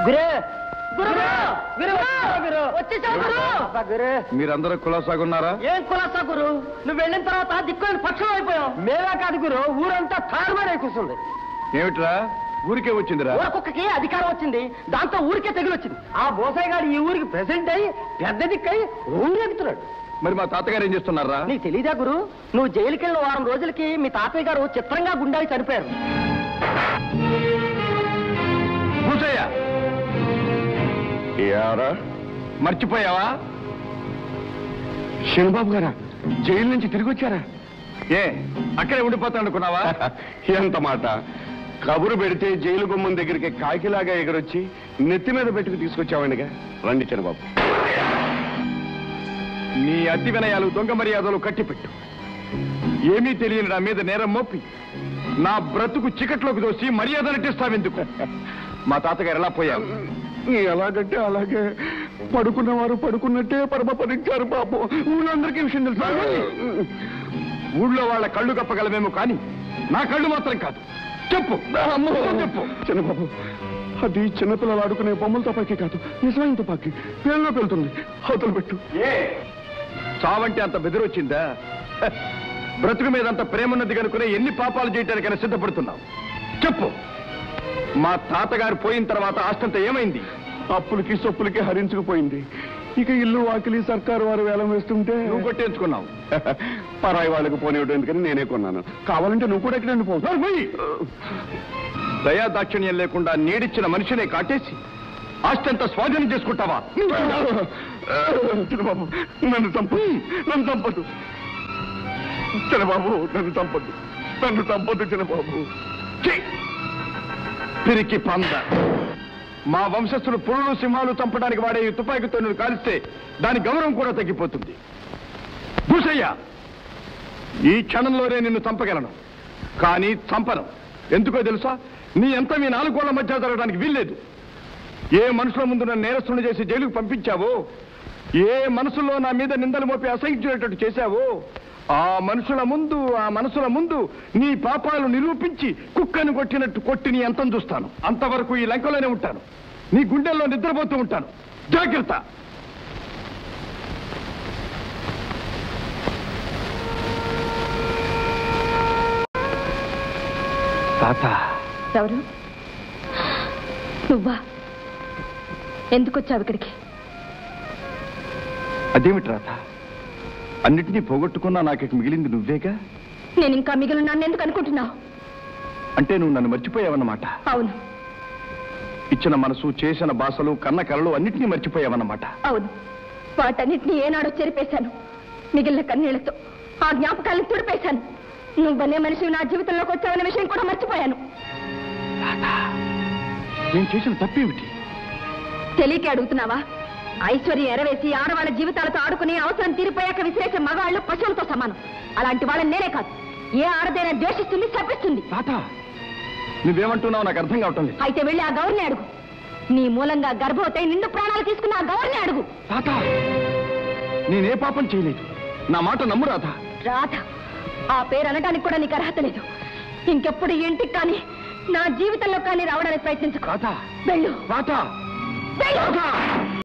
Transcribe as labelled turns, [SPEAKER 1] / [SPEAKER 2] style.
[SPEAKER 1] మీరందరూ కులాసాగున్నారా?
[SPEAKER 2] ఏం కులాసా గురు? నువ్వు వెళ్ళిన తర్వాత దిక్కుని పక్షం అయిపోయావు. మేమే కాదు గురు, ఊరంతా తారుమారే కూర్చుంది.
[SPEAKER 1] ఏమిట్రా ఊరికే వచ్చిందిరా?
[SPEAKER 2] ఊరకొక్కకి అధికారం వచ్చింది, దాంతో ఊరికే తెగులొచ్చింది. ఆ బోసాయి గారు ఈ ఊరికి ప్రెసిడెంట్ అయ్యి పెద్ద దిక్కై ఊరెగుతున్నాడు.
[SPEAKER 1] మరి మా తాతగారు ఏం చేస్తున్నారా?
[SPEAKER 2] నీకు తెలీదా గురు? నువ్వు జైలుకి వెళ్ళిన వారం రోజులకి మీ తాతయ్య గారు చిత్రంగా గుండాకి చనిపోయారు.
[SPEAKER 1] మర్చిపోయావా?
[SPEAKER 3] శనిబాబు గారా జైలు నుంచి తిరిగి వచ్చారా?
[SPEAKER 1] ఏ అక్కడే ఉండిపోతా అనుకున్నావా?
[SPEAKER 3] ఎంత మాట! కబురు పెడితే జైలు గుమ్మం దగ్గరికి కాకిలాగా ఎగరొచ్చి నెత్తి మీద పెట్టుకు తీసుకొచ్చావండిగా. రండి చంద్రబాబు.
[SPEAKER 1] నీ అతి వినయాలు దొంగ మర్యాదలు కట్టిపెట్టు. ఏమీ తెలియని నా మీద నేరం మోపి నా బ్రతుకు చికట్లోకి దోసి మర్యాద నటిస్తావెందుకు? మా తాతగారు ఎలా పోయావు?
[SPEAKER 3] ఎలాగంటే అలాగే పడుకున్నవారు పడుకున్నట్టే పరమపరించారు పాపం. ఊళ్ళందరికీ విషయం తెలుసు.
[SPEAKER 1] ఊళ్ళో వాళ్ళ కళ్ళు కప్పగలమేమో కానీ నా కళ్ళు మాత్రం కాదు. చెప్పు చెప్పు.
[SPEAKER 3] చిన్నబాబు, అది చిన్నపిల్లలు ఆడుకునే బొమ్మల తుపాకీ కాదు, నిజమైన తుపాకీ. పేరులో పెళ్తుంది. అవతల పెట్టు.
[SPEAKER 1] చావంటే అంత బెదిరొచ్చిందా? బ్రతుకు మీద అంత ప్రేమన్నది కనుకునే ఎన్ని పాపాలు చేయటానికైనా సిద్ధపడుతున్నావు? చెప్పు. మా తాతగారు పోయిన తర్వాత ఆస్తంతా ఏమైంది?
[SPEAKER 3] అప్పులకి సొప్పులకి హరించుకుపోయింది. ఇక ఇల్లు వాకిలి సర్కారు వారు వేలం వేస్తుంటే
[SPEAKER 1] నువ్వు కొట్టేంచుకున్నావు.
[SPEAKER 3] పరాయి వాళ్ళకి పోనివ్వడం ఎందుకని నేనే కొన్నాను. కావాలంటే నువ్వు కూడా ఎక్కడండి పోవు.
[SPEAKER 1] దయా దాక్షిణ్యం లేకుండా నీడిచ్చిన మనిషినే కాటేసి ఆస్తంతా స్వాధీనం చేసుకుంటావా?
[SPEAKER 3] చిన్నబాబు, నన్ను చంపదు, నన్ను చంపదు. చిన్నబాబు, నన్ను చంపదు, నన్ను చంపదు చిన్నబాబు.
[SPEAKER 1] పిరికి పంద. మా వంశస్థులు పురులు సింహాలు చంపడానికి వాడే ఈ తుపాకీతో నువ్వు కాలిస్తే దాని గౌరవం కూడా తగ్గిపోతుంది. భూషయ్య, ఈ క్షణంలోనే నిన్ను చంపగలను, కానీ చంపను. ఎందుకో తెలుసా? నీ ఎంత మీ 4 గోళ్ల మధ్య జరగడానికి వీల్లేదు. ఏ మనుషుల ముందు నన్ను నేరస్తుని చేసి జైలుకు పంపించావో, ఏ మనసులో నా మీద నిందలు మోపి అసహించేటట్టు చేశావో, ఆ మనసుల ముందు నీ పాపాలు నిరూపించి కుక్కను కొట్టినట్టు కొట్టి నీ అంతం చూస్తాను. అంతవరకు ఈ లంకలోనే ఉంటాను, నీ గుండెల్లో నిద్రపోతూ ఉంటాను. జాగ్రత్త. తాత.
[SPEAKER 4] ఎవరు? నువ్వా? ఎందుకు వచ్చావు ఇక్కడికి?
[SPEAKER 1] అదేమిటి రాత? అన్నిటినీ పోగొట్టుకున్నా నాకు మిగిలింది నువ్వేగా.
[SPEAKER 4] నేను ఇంకా మిగిలినాను ఎందుకు అనుకుంటున్నావు?
[SPEAKER 1] అంటే నువ్వు నన్ను మర్చిపోయావన్నమాట.
[SPEAKER 4] అవును.
[SPEAKER 1] ఇచ్చిన మనసు, చేసిన భాషలు, కన్న కలలు అన్నిటినీ మర్చిపోయావన్నమాట.
[SPEAKER 4] అవును. వాటన్నిటినీ ఏనాడో చెరిపేశాను. మిగిలిన కన్నీళ్లతో ఆ జ్ఞాపకాలను తుడిపేశాను. నువ్వనే మనిషి నా జీవితంలోకి వచ్చావన్న విషయం కూడా మర్చిపోయాను.
[SPEAKER 1] నేను చేసిన తప్పేమిటి?
[SPEAKER 4] తెలియకే అడుగుతున్నావా? ఐశ్వర్యం ఎరవేసి ఆడవాళ్ళ జీవితాలతో ఆడుకుని అవసరం తీరిపోయాక విసిరేసే మగాళ్ళు పశువులతో సమానం. అలాంటి వాళ్ళని నేనే కాదు, ఏ ఆడదైనా ద్వేషిస్తుంది, శపిస్తుంది.
[SPEAKER 1] తాత, నువ్వేమంటున్నావు నాకు అర్థం కావటం లేదు.
[SPEAKER 4] అయితే వెళ్ళి ఆ గౌరిని అడుగు. నీ మూలంగా గర్భవతి నిండు ప్రాణాలు తీసుకున్న ఆ గౌరిని అడుగు.
[SPEAKER 1] తాత, నేనే పాపం చేయలేదు. నా మాట నమ్ము రాధ.
[SPEAKER 4] రాధ? ఆ పేరు అనడానికి కూడా నీకు అర్హత లేదు. ఇంకెప్పుడు ఇంటికి కానీ నా జీవితంలో కానీ రావడానికి ప్రయత్నించు.
[SPEAKER 1] రాధ,
[SPEAKER 4] వెళ్ళు.
[SPEAKER 1] రాధ,
[SPEAKER 4] వెళ్ళు.
[SPEAKER 1] రాధ.